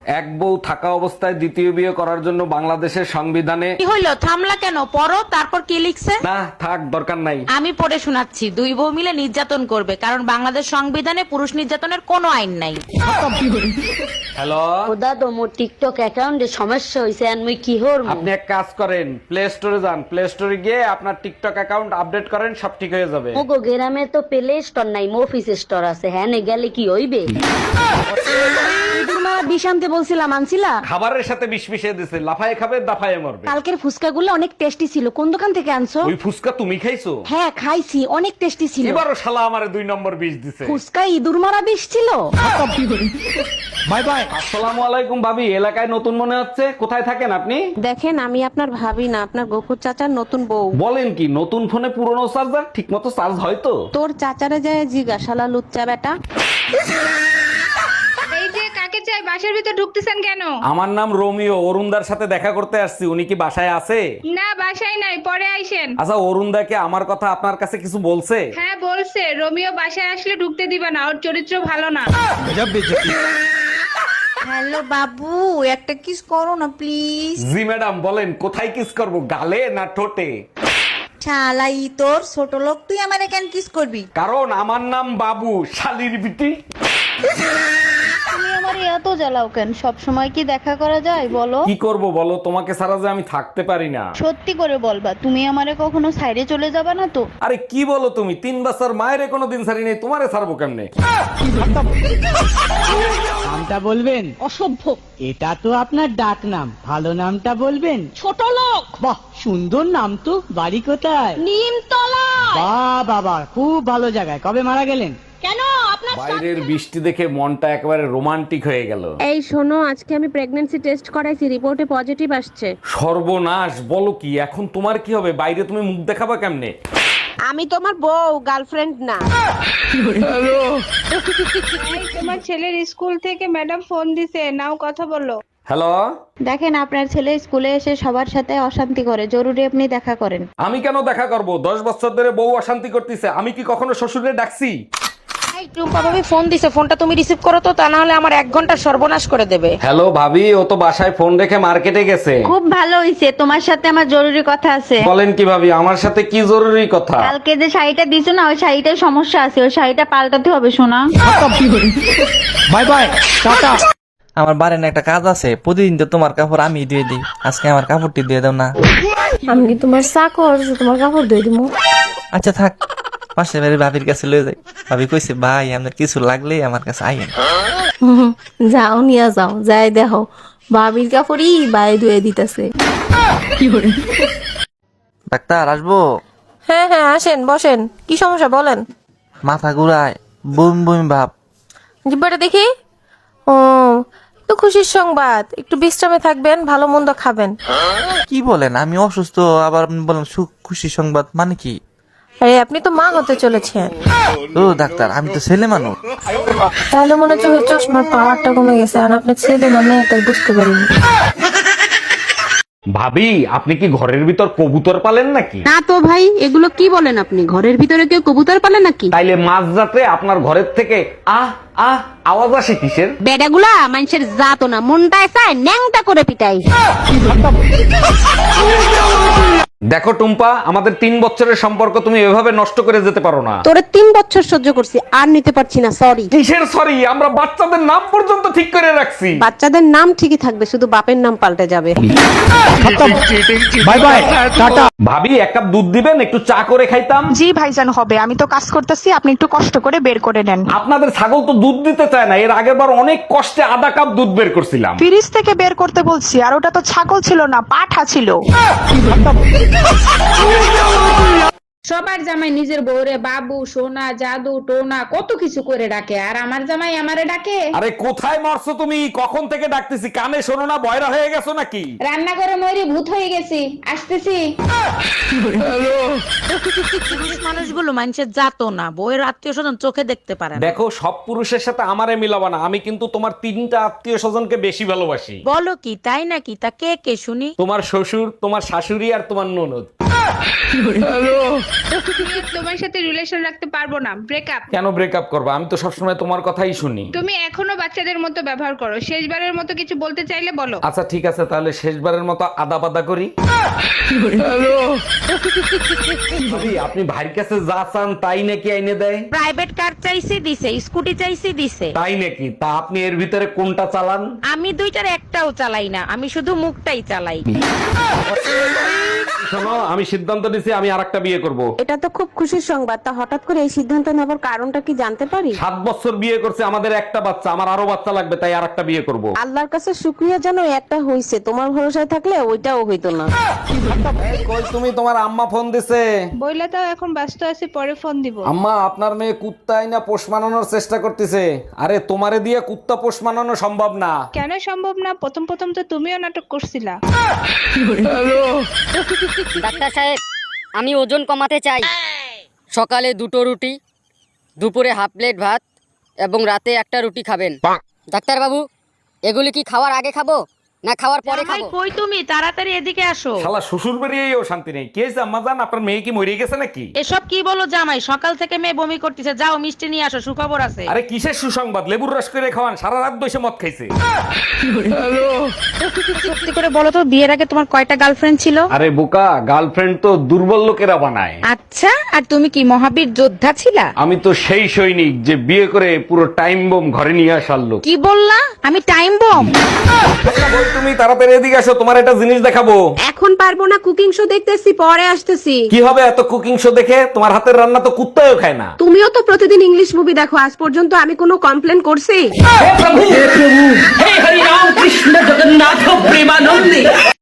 এক বউ থাকা অবস্থায় দ্বিতীয় বিয়ে করার জন্য বাংলাদেশের সংবিধানে কি হইলো, থামলা কেন? পড়ো, তারপর কি লিখছে? না থাক, দরকার নাই। আমি পড়ে শোনাচ্ছি। দুই বউ মিলে নির্যাতন করবে, কারণ বাংলাদেশ সংবিধানে পুরুষ নির্যাতনের কোনো আইন নাই। হ্যালো, দাদা মোর টিকটক অ্যাকাউন্টে সমস্যা হয়েছে আর মুই কি হরমু? আপনি এক কাজ করেন, প্লে স্টোরে যান, প্লে স্টোরে গিয়ে আপনার টিকটক অ্যাকাউন্ট আপডেট করেন, সব ঠিক হয়ে যাবে। মোগো গ্রামে তো প্লে স্টোর নাই, মফিস স্টোর আছে। হ্যাঁ নে গেলে কি হইবে? বিষ আনতে বলছিলাম, আনছিলা? খাবারের সাথে বিষ মিশিয়ে দিছে, লাফায় খাবে দাফায় মরবে। কালকের ফুচকাগুলো অনেক টেস্টি ছিল। কোন দোকান থেকে আনছো? ওই ফুসকা তুমি খাইছো? হ্যাঁ খাইছি, অনেক টেস্টি ছিল। এবারও শালা আমারে 2 নম্বর বিষ দিছে। ফুচকা ইঁদুর মারা বিষ ছিল। Bye bye. আসসালামু আলাইকুম ভাবি, এলাকায় নতুন মনে হচ্ছে, কোথায় থাকেন আপনি? দেখেন, আমি আপনার ভাবি না, আপনার গফুর চাচার নতুন বউ। বলেন কি, নতুন ফোনে পুরনো চার্জার ঠিক মতো চার্জ হয় তো? তোর চাচারে যায় জিজ্ঞাসালা লুচ্চা বেটা। এই যে কাকে চাই, বাসার ভিতর ঢুকতেছেন কেন? আমার নাম রোমিও, অরুণদার সাথে দেখা করতে আসছি, উনি কি বাসায় আছে? না, বাসায় নাই, পরে আইসেন। আচ্ছা, অরুণদাকে আমার কথা আপনার কাছে কিছু বলছে? হ্যাঁ বলছে, রোমিও বাসায় আসলে ঢুকতে দিবা না, ওর চরিত্র ভালো না। হ্যালো বাবু, একটা কিস করো না প্লিজ। জি ম্যাডাম, বলেন কোথায় কিস করব, গালে না ঠোঁটে? শালাই তোর ছোট লোক, তুই আমারে কেন কিস করবি? কারণ আমার নাম বাবু, শালির বিটি। তুমি আমার এত জ্বালাও কেন? সব সময় কি দেখা করা যায় বলো? কি করব বলো, তোমাকে ছাড়া যে আমি থাকতে পারি না। সত্যি করে বলবা, তুমি আমারে কখনো সাইডে চলে যাবা না তো? আরে কি বলো তুমি, 3 বছর মায়ের কোনো দিন ছাড়ি নেই, তোমারে ছাড়বো কেমনে? নামটা বলবেন? অসভ্য। এটা তো আপনার ডাক নাম, ভালো নামটা বলবেন? ছোট লোক। বাহ, সুন্দর নাম তো। বাড়ি কোথায়? নিমতলা। বাহ বাবা, খুব ভালো জায়গায়। কবে মারা গেলেন? কেন আপনার? বাইরের বৃষ্টি দেখে মনটা একেবারে রোমান্টিক হয়ে গেল। এই শোনো, আজকে আমি প্রেগন্যান্সি টেস্ট করাইছি, রিপোর্টে পজিটিভ আসছে। সর্বনাশ, বলো কি? এখন তোমার কি হবে? বাইরে তুমি মুখ দেখাবা কেমনে? আমি তোমার বউ, গার্লফ্রেন্ড না। তোমার ছেলের স্কুল থেকে ম্যাডাম ফোন দিছে, নাও কথা বলো। হ্যালো, দেখেন, আপনার ছেলে স্কুলে এসে সবার সাথে অশান্তি করে, জরুরি আপনি দেখা করেন। আমি কেন দেখা করব? 10 বছর ধরে বউ অশান্তি করতেছে, আমি কি কখনো শ্বশুরে ডাকছি? এই টুম্পা ভাবি ফোন দিছে, ফোনটা তুমি রিসিভ করো তো, তা না হলে আমার 1 ঘন্টা সর্বনাশ করে দেবে। হ্যালো ভাবি, ও তো বাসায় ফোন রেখে মার্কেটে গেছে। খুব ভালো হইছে, তোমার সাথে আমার জরুরি কথা আছে। বলেন কি ভাবি, আমার সাথে কি জরুরি কথা? কালকে যে শাড়িটা দিছো না, ওই শাড়িটার সমস্যা আছে, ওই শাড়িটা পাল্টাতে হবে শোনা। Bye bye, tata. আমার বাড়ির না একটা কাজ আছে, প্রতিদিন তো তোমার কাপড় আমি দিয়ে দিই, আজকে আমার কাপড়টি দিয়ে দাও না। আমি কি তোমার চাকর যে তোমার কাপড় দিয়ে দিবো? আচ্ছা থাক, পাশের বাড়ির ভাবির কাছে লয়ে যাই। ভাবি কইছে, ভাই আপনার কিছু লাগলে আমার কাছে আইয়েন। যাও নিয়ে যাও, যাই দেখো ভাবির কাপড়ই বাই ধুয়ে দিতেছে। ডাক্তার আসবো? হ্যাঁ হ্যাঁ, আসেন বসেন। কি সমস্যা বলেন? মাথা ঘুরায়, বমি বমি ভাব। জিব্বাটা দেখি। ও, তো খুশির সংবাদ, একটু বিশ্রামে থাকবেন, ভালো মন্দ খাবেন। কি বলেন, আমি অসুস্থ আবার আপনি বলেন সুখ খুশি সংবাদ, মানে কি? আরে আপনি তো মা হতে চলেছেন। ও ডাক্তার, আমি তো ছেলে মানুষ। তাহলে মনে হচ্ছে ওই চশমার পাওয়ারটা কমে গেছে, আর আপনার ছেলে মানে তাই বুঝতে পারিনি। ভাবি, আপনি কি ঘরের ভিতর কবুতর পালেন নাকি? না তো ভাই, এগুলো কি বলেন আপনি? ঘরের ভিতরে কেউ কবুতর পালে নাকি? তাইলে মাঝরাতে আপনার ঘরের থেকে আহ আহ আওয়াজ আসে কিসের? বেডাগুলা মানুষের জাত না, মনটায় চায় ন্যাংটা করে পিটাই। দেখো টুম্পা, আমাদের 3 বছরের সম্পর্ক তুমি এভাবে নষ্ট করে যেতে পারো না। তোরে 3 বছর সহ্য করছি, আর নিতে পারছি না, সরি। কিসের সরি? আমরা বাচ্চাদের নাম পর্যন্ত ঠিক করে রাখছি। বাচ্চাদের নাম ঠিকই থাকবে, শুধু বাপের নাম পাল্টে যাবে। Bye bye, tata. ভাবি, 1 কাপ দুধ দিবেন, একটু চা করে খাইতাম। জি ভাইজান, হবে, আমি তো কাজ করতেছি, আপনি একটু কষ্ট করে বের করে নেন। আপনাদের ছাগল তো দুধ দিতে চায় না, এর আগের বার অনেক কষ্টে আধা কাপ দুধ বের করছিলাম। ফ্রিজ থেকে বের করতে বলছি, আর ওটা তো ছাগল ছিল না, পাঠা ছিল। সবার জামাই নিজের বউরে বাবু, সোনা, জাদু, টোনা কত কিছু করে ডাকে, আর আমার জামাই আমারে ডাকে। আরে কোথায় মরছো তুমি? কখন থেকে ডাকতেছি, কানে শোনো না? বয়রা হয়ে গেছো নাকি? রান্নাঘরে ময়ূরী ভূত হয়ে গেছি, আসতেছি। পুরুষ মানুষগুলো মানুষের জাতো না, বউয়ের আত্মীয় স্বজন চোখে দেখতে পারে না। দেখো, সব পুরুষের সাথে আমারে মিলাবা না, আমি কিন্তু তোমার 3টা আত্মীয় স্বজনকে বেশি ভালোবাসি। বলো কি, তাই নাকি? তা কে কে শুনি? তোমার শ্বশুর, তোমার শাশুড়ি আর তোমার ননদ। তোমার সাথে রিলেশন রাখতে পারবো না, ব্রেকআপ। কেন ব্রেকআপ করবো? আমি তো সবসময় তোমার কথাই শুনি। তুমি এখনো বাচ্চাদের মতো ব্যবহার করো, শেষবারের মতো কিছু বলতে চাইলে বলো। আচ্ছা ঠিক আছে, তাহলে শেষবারের মতো আদা পাদা করি। ভাবি, আপনি ভাইয়ের কাছে যা চান তাই নাকি আইনে দেয়? প্রাইভেট কার চাইছি দিছে, স্কুটি চাইছি দিছে। তাই নাকি? তা আপনি এর ভিতরে কোনটা চালান? আমি দুইটার একটাও চালাই না, আমি শুধু মুখটাই চালাই। শোনো, আমি সিদ্ধান্ত নিছি আমি আরেকটা বিয়ে করব। এটা তো খুব খুশির সংবাদ, তা হঠাৎ করে এই সিদ্ধান্ত নেবার কারণটা কি জানতে পারি? 7 বছর বিয়ে করছে, আমাদের একটা বাচ্চা, আমার আরো বাচ্চা লাগবে, তাই আরেকটা বিয়ে করব। আল্লাহর কাছে শুকরিয়া জানো একটা হইছে, তোমার ভরসায় থাকলে ওইটাও হইতো না। এই কই তুমি? তোমার আম্মা ফোন দিছে। বইলা তাও এখন ব্যস্ত আছি, পরে ফোন দিব। আম্মা, আপনার মেয়ে কুত্তা আইনা পোষ মানানোর চেষ্টা করতেছে। আরে তোমারে দিয়ে কুত্তা পোষ মানানো সম্ভব না। কেন সম্ভব না? প্রথম প্রথম তো তুমিও নাটক করছিলা। ডাক্তার সাহেব, আমি ওজন কমাতে চাই। সকালে 2টো রুটি, দুপুরে হাফ প্লেট ভাত এবং রাতে একটা রুটি খাবেন। ডাক্তার বাবু, এগুলি কি খাওয়ার আগে খাবো না খাওয়ার পরে জামাই, খাবো? কই তুমি? তাড়াতাড়ি এদিকে আসো। শালা শ্বশুর বাড়িয়েও শান্তি নেই। কি হয়েছে আম্মা জান? আপনার মেয়ে কি মরে গেছে নাকি? এসব কি বলো জামাই? সকাল থেকে মেয়ে বমি করতেছে, যাও মিষ্টি নিয়ে আসো, সুখবর আছে। আরে কিসের সুসংবাদ? লেবুর রস করে খাওয়ান, সারা রাত বসে মদ খাইছে। সত্যি করে বলো তো, বিয়ের আগে তোমার কয়টা গার্লফ্রেন্ড ছিল? আরে বোকা, গার্লফ্রেন্ড তো দুর্বল লোকেরা বানায়। আচ্ছা, আর তুমি কি মহাবীর যোদ্ধা ছিলা? আমি তো সেই সৈনিক যে বিয়ে করে পুরো টাইম বোম ঘরে নিয়ে আসার লোক। কি বললা? আমি টাইম বম? কই তুমি? তাড়াতাড়ি এদিকে আসো, তোমার একটা জিনিস দেখাবো। এখন পারবো না, কুকিং শো দেখতেছি, পরে আসতেছি। কি হবে এত কুকিং শো দেখে? তোমার হাতের রান্না তো কুত্তাও খায় না। তুমিও তো প্রতিদিন ইংলিশ মুভি দেখো, আজ পর্যন্ত আমি কোনো কমপ্লেন করছি?